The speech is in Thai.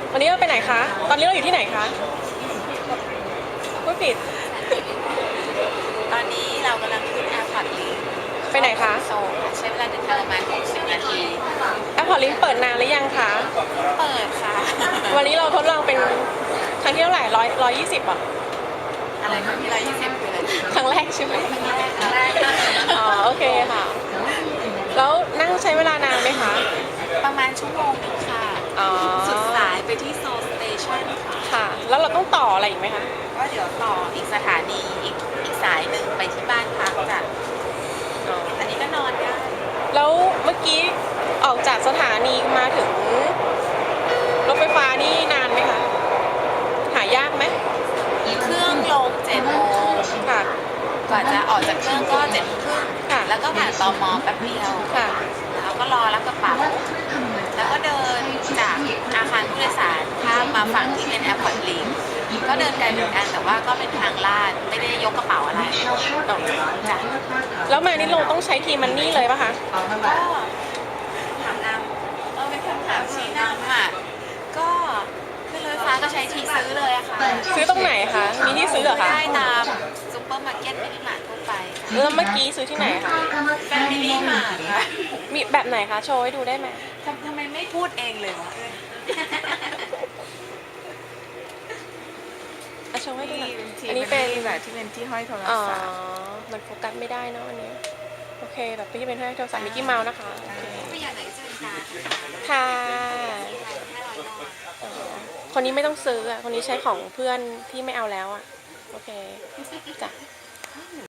วันนี้เราไปไหนคะ ตอนนี้เราอยู่ที่ไหนคะพูดผิดตอนนี้เรากำลังขึ้นแอร์พอร์ตลิงไปไหนคะโซลค่ะใช้เวลาเดินทางประมาณ60 นาทีแอร์พอร์ตลิงก์เปิดนานหรือยังคะเปิดค่ะวันนี้เราทดลองเป็นครั้งที่เท่าไหร่120อ่ะอะไรคะที่120คืออะไรครั้งแรกใช่ไหมครั้งแรกค่ะอ๋อโอเคค่ะ แล้วนั่งใช้เวลานานไหมคะประมาณชั่วโมงนึงค่ะอ๋อสุดสายไปที่โซลสเตชันค่ะค่ะ แล้วเราต้องต่ออะไรอีกไหมคะก็เดี๋ยวต่ออีกสถานีอีกสายหนึ่งไปที่บ้านพักจ้ะอ๋ออันนี้ก็นอนได้แล้วเมื่อกี้ออกจากสถานีมาถึงรถไฟฟ้านี่นานไหมคะ หายากไหมเครื่องลง7 โมงค่ะกว่าจะออกจากเครื่องก็7 โมงครึ่งค่ะแล้วก็ผ่านตมแป๊บเดียวค่ะแล้วก็รอรับกระเป๋า แล้วก็เดินจากอาคารผู้โดยสารข้ามมาฝั่งที่เป็นแอร์พอร์ตลิงก็เดินไกลเหมือนกันแต่ว่าก็เป็นทางลาดไม่ได้ยกกระเป๋าอะไรจ้ะแล้วมานี่ลงต้องใช้ทีมันนี่เลยป่ะคะก็ถามนำเป็นคำถามชี้นำอ่ะก็ขึ้นรถไฟฟ้าก็ใช้ทีซื้อเลยอะค่ะซื้อตรงไหนคะ มีที่ซื้อเหรอคะได้ตามซุปเปอร์มาร์เก็ตมินิมาร์ททั่วไปค่ะแล้วเมื่อกี้ซื้อที่ไหนคะแฟมิลี่มาร์ทค่ะมีแบบไหนคะ โชว์ให้ดูได้ไหมทำไมไม่พูดเองเลยวะอ่ะโชว์ให้ดูหน่อยอัอันนนี้นี้เป็เป็น นแบบที่เป็นที่ห้อยโทรอ๋อศัพท์มันโฟกัสไม่ได้เนอะอันนี้ โอเค แบบที่เป็นให้โทรศัพท์มิกกี้เมาส์นะคะ โอเคไม่อยากไหนจะเป็นการค่ะ 500 บาทอ๋อคนนี้ไม่ต้องซื้ออ่ะ คนนี้ใช้ของเพื่อนที่ไม่เอาแล้วอ่ะ โอเค จ้ะ